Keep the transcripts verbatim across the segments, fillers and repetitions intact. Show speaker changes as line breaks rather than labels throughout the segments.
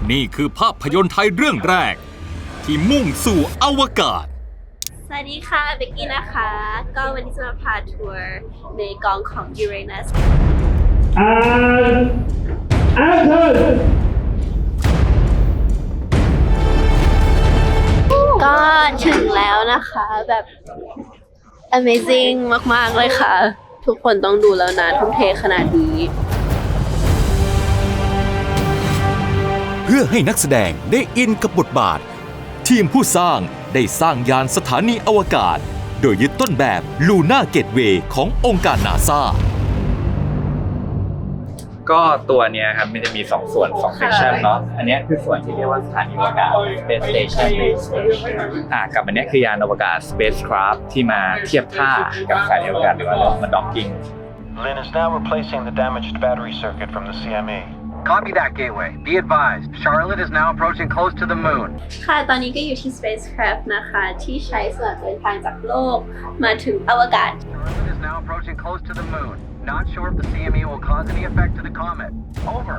นี่คือภาพยนตร์ไทยเรื่องแรกที่มุ่งสู่อวกาศ
สวัสดีค่ะเบกกี้นะคะก็วันนี้จะมาพาทัวร์ในกองของ Uranus
and action
ก็ถึงแล้วนะคะแบบ amazing มากๆเลยค่ะทุกคนต้องดูแล้วนะทุ่มเทขนาดนี้
เพื่อให้นักแสดงได้อินกับบทบาททีมผู้สร้างได้สร้างยานสถานีอวกาศโดยยึดต้นแบบลูน่าเกตเวย์ขององค์การนาซา
ก็ตัวเนี้ยครับมันจะมีสองส่วนสองเซสชันเนาะอันนี้คือส่วนที่เรียกว่าสถานีอวกาศ Space Station อ่ากับอันนี้คือยานอวกาศ Spacecraft ที่มาเทียบท่ากับสถานีอวกาศหรือว่าเรามาด็อกกิ้ง
Lynn is now replacing the damaged battery circuit from the ซี เอ็ม อี
Copy that, Gateway. Be advised, Charlotte is now approaching close to the moon.
ค่ะตอนนี้ก็อยู่ที่ Spacecraft นะคะที่ใช้สำหรับเดินทางจากโลกมาถึงอวกาศ
Charlotte is now approaching close to the moon. Not sure if the ซี เอ็ม อี will cause any effect to the comet. Over.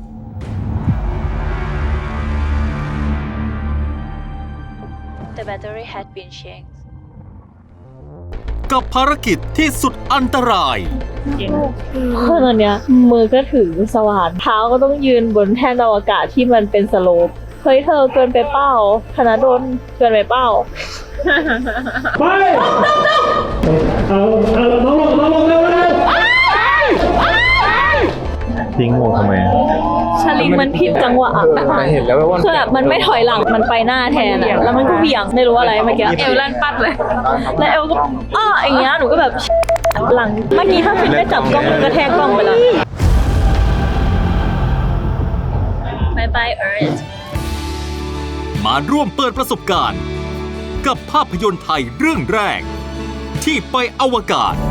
The battery had been changed.
กับภารกิจที่สุดอันตราย
คือตอนเนี้ยมือก็ถือสว่านเท้าก็ต้องยืนบนแท่นอวกาศที่มันเป็นสโลปเฮ้ยเธอเกินไปเป้าธนดลเกินไปเป้า
ไปเอาเอาน้องลงน้องลงเร็วเร็ว
ทิ้งหมวกทำไม
ชลิงมันผิดจังหวะ
เห็นแล้วว่า
คือแบบมันไม่ถอยหลังมันไปหน้าแทนอะแล้วมันก็เบี่ยงไม่รู้อะไรเมื่อกี้เอวลั่นปัดเลยแล้วเอวก็อ้ออย่างเงี้ยหนูก็แบบหลังเมื่อกี้ถ้าฟินไม่จับกล้องมันกระแทกกล้องไปแล้ว
Bye bye Earth
มาร่วมเปิดประสบการณ์กับภาพยนตร์ไทยเรื่องแรกที่ไปอวกาศ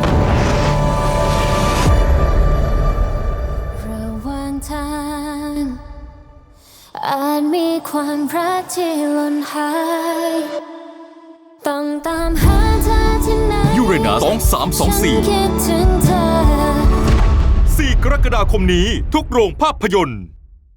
ระหว่างทางอาจมีความรักที่หล่นหายต้องตามหาเธอที่ไหน
Uranus สองสามสองสี่
คิดถึงเธอ
สี่กรกฎาคมนี้ทุกโรงภาพยนตร์